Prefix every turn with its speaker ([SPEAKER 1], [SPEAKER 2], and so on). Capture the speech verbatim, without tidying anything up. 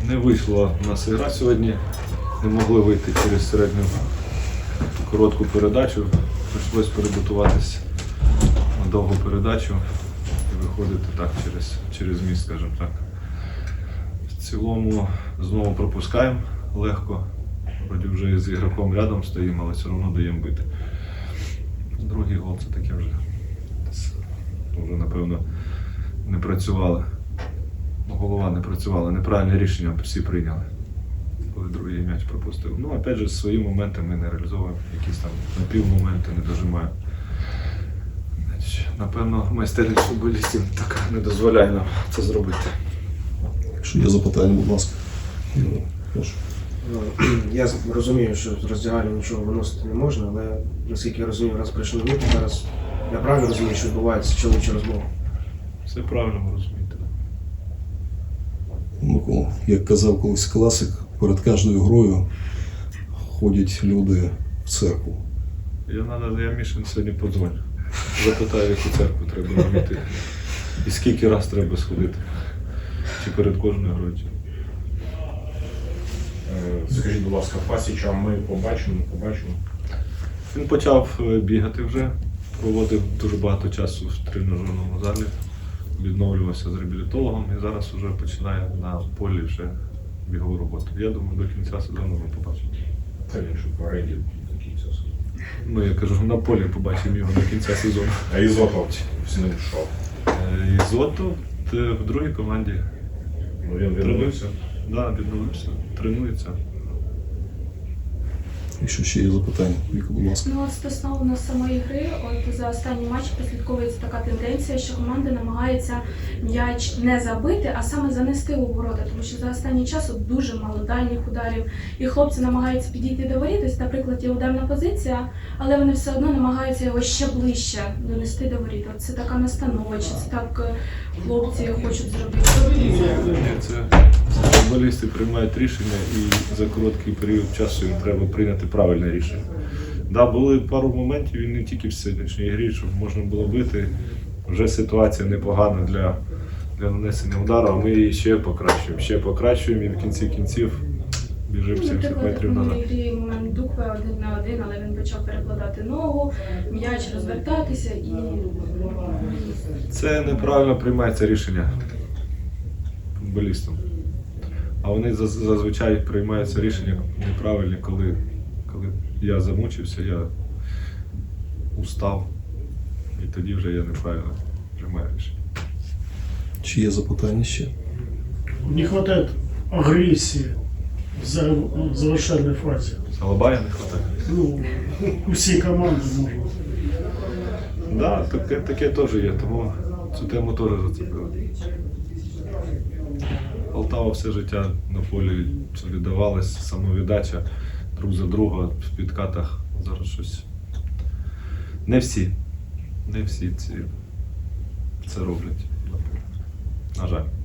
[SPEAKER 1] Не вийшла у нас ігра сьогодні, не могли вийти через середню коротку передачу, прийшлося перебутуватись на довгу передачу і виходити так через, через міст, скажімо так. В цілому знову пропускаємо легко, вроді вже з ігроком рядом стоїмо, але все одно даємо бити. Другий гол це таке вже, вже напевно не працювали. Голова не працювала, неправильне рішення всі прийняли, коли другий м'яч пропустив. Ну, опять же, свої моменти ми не реалізовуємо, якісь там напівмоменти не дожимаємо. Напевно, майстерність футболістів так не дозволяє нам це зробити.
[SPEAKER 2] Якщо є запитання, будь ласка. Прошу.
[SPEAKER 3] Я розумію, що з роздягальні нічого виносити не можна, але наскільки я розумію, раз прийшли ви, зараз я правильно розумію, що відбувається чоловіча розмова?
[SPEAKER 1] Все правильно ви розумієте.
[SPEAKER 2] Микола, як казав колись класик, перед кожною грою ходять люди в церкву.
[SPEAKER 1] Я, надо, я Мішин сьогодні подзвоню. Запитаю, в яку церкву треба робити. І скільки раз треба сходити. Чи перед кожною грою.
[SPEAKER 4] Скажіть, будь ласка, Пасіча ми побачимо, побачимо.
[SPEAKER 1] Він почав бігати вже, проводив дуже багато часу в тренажерному залі, відновлювався з реабілітологом і зараз вже починає на полі вже бігову роботу. Я думаю, до кінця сезону ми побачимо.
[SPEAKER 4] Це він що в оренді до кінця сезону.
[SPEAKER 1] Ну, я кажу, на полі побачимо його до кінця сезону.
[SPEAKER 4] А Ізотов з ним що?
[SPEAKER 1] Ізотов в другій команді.
[SPEAKER 4] Ну, він відновився?
[SPEAKER 1] Так, да, відновився, тренується.
[SPEAKER 2] Якщо ще є запитання, Віка, будь ласка.
[SPEAKER 5] Ну, от стосовно самої гри, от за останній матч прослідковується така тенденція, що команда намагається м'яч не забити, а саме занести у ворота, тому що за останній час от дуже мало дальніх ударів, і хлопці намагаються підійти до воріт, ось, наприклад, є ударна позиція, але вони все одно намагаються його ще ближче донести до воріт. От це така настанова, чи це так е, хлопці хочуть зробити?
[SPEAKER 1] Ні, це футболісти приймають рішення і за короткий період часу їм треба прийняти правильне рішення. Да, були пару моментів, і не тільки в сьогоднішній грі, щоб можна було бити. Вже ситуація непогана для, для нанесення удару, а ми її ще покращуємо. Ще покращуємо і в кінці кінців біжимо
[SPEAKER 5] Ну,
[SPEAKER 1] сімдесят
[SPEAKER 5] наприклад,
[SPEAKER 1] метрів
[SPEAKER 5] в
[SPEAKER 1] назад.
[SPEAKER 5] минулій грі момент Дукве один на один, але він почав перекладати ногу, м'яч розвертатися і...
[SPEAKER 1] Це неправильно приймається рішення футболістам. А вони заз- зазвичай приймаються рішення неправильні, коли, коли я замучився, я устав, і тоді вже я неправильно приймаю рішення.
[SPEAKER 2] Чи є запитання ще?
[SPEAKER 6] Не хватает агрессии в за- в завершальной фазе.
[SPEAKER 1] Алабая не вистачає.
[SPEAKER 6] Ну, у всей команды можно.
[SPEAKER 1] Да, таке, таке теж є, тому цю тему теж зацепили. Полтава все життя на полі віддавалась, самовіддача друг за друга в підкатах. Зараз щось. Не всі, не всі ці це роблять. На жаль.